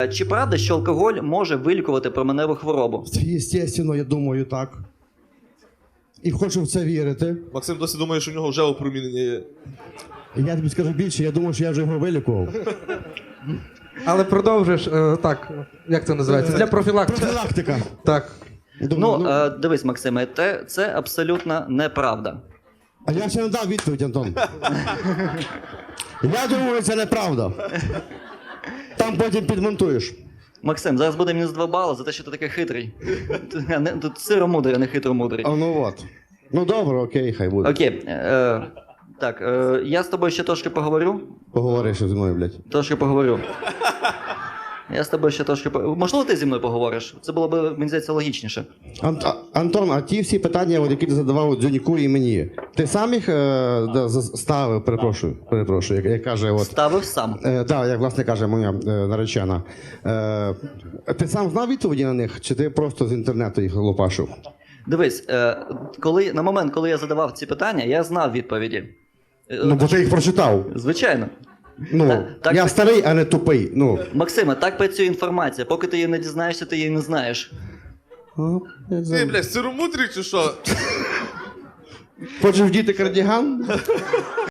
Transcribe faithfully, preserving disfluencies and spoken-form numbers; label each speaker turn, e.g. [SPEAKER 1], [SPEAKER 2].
[SPEAKER 1] Чи правда, що алкоголь може вилікувати променеву хворобу?
[SPEAKER 2] Єстественно, я думаю, так. І хочу в це вірити.
[SPEAKER 3] Максим досі думає, що в нього вже опромінення є.
[SPEAKER 2] І я тобі скажу більше, я думаю, що я вже його вилікував.
[SPEAKER 4] Але продовжуєш, е, так, як це називається? Для профілактики.
[SPEAKER 2] Профілактика.
[SPEAKER 4] Так.
[SPEAKER 2] Я думаю,
[SPEAKER 1] Ну, е, дивись, Максиме, те, це абсолютно неправда.
[SPEAKER 2] А я ще не дав відповідь, Антон. Я думаю, це неправда. Там потім підмонтуєш.
[SPEAKER 1] Максим, зараз буде мінус два бали за те, що ти такий хитрий. Ти- не- Тут сиромудрий, а не хитромудрий.
[SPEAKER 2] А ну от. Ну добре, окей, хай буде.
[SPEAKER 1] Окей. Е, так, е, я з тобою ще трошки поговорю.
[SPEAKER 2] Поговори ще зі мною, блядь.
[SPEAKER 1] Трошки поговорю. Я з тобою ще трошки поговорю. Можливо, ти зі мною поговориш? Це було б, мені здається, логічніше.
[SPEAKER 2] Ан- а- Антон, а ті всі питання, от, які ти задавав Дзюніку і мені, ти сам їх е, да, за- ставив, перепрошую, перепрошую, як, як каже, от,
[SPEAKER 1] Ставив сам.
[SPEAKER 2] е, да, як власне каже моя е, наречена. Е, ти сам знав відповіді на них, чи ти просто з інтернету їх лопашив?
[SPEAKER 1] Дивись, е, коли, на момент, коли я задавав ці питання, я знав відповіді. Е,
[SPEAKER 2] Ну, бо ти їх прочитав.
[SPEAKER 1] Звичайно.
[SPEAKER 2] Ну,
[SPEAKER 1] Так- так
[SPEAKER 2] я
[SPEAKER 1] ти-
[SPEAKER 2] старий, а не тупий. Ну.
[SPEAKER 1] Максиме, так працює інформація. Поки ти її не дізнаєшся, ти її не знаєш.
[SPEAKER 3] Ти, блядь, сиромудрий чи що?
[SPEAKER 2] Хочеш вдіти кардіган?